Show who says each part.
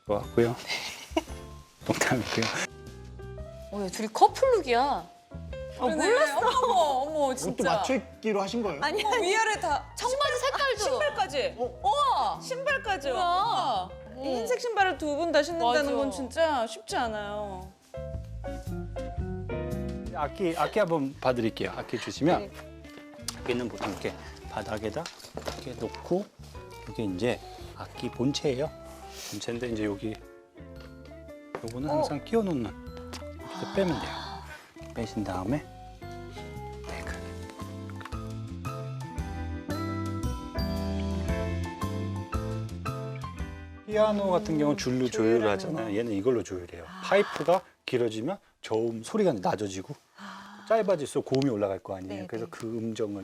Speaker 1: 좋았고요. 농담이고요.
Speaker 2: 야, 둘이 커플룩이야.
Speaker 3: 몰랐어. 어머,
Speaker 4: 이것도
Speaker 3: 진짜.
Speaker 4: 맞추기로 하신 거예요?
Speaker 3: 아니, 위아래 다
Speaker 2: 청바지 색깔도.
Speaker 3: 신발까지. 우와, 신발까지.
Speaker 2: 뭐야?
Speaker 3: 우와. 이 흰색 신발을 두 분 다 신는다는
Speaker 2: 맞아.
Speaker 3: 건 진짜 쉽지 않아요.
Speaker 1: 악기 한번 봐드릴게요. 악기 주시면
Speaker 2: 네.
Speaker 1: 악기는 보통 이렇게 바닥에다 이렇게 놓고 이게 이제 악기 본체예요. 본체인데 이제 요거는 항상 끼워놓는 이렇게 빼면 돼요. 빼신 다음에 네, 피아노 같은 경우는 줄로 조율을 하잖아요. 얘는 이걸로 조율해요. 파이프가 길어지면 저음 소리가 낮아지고 짧아질수록 고음이 올라갈 거 아니에요.
Speaker 2: 네,
Speaker 1: 그래서
Speaker 2: 네.
Speaker 1: 그 음정을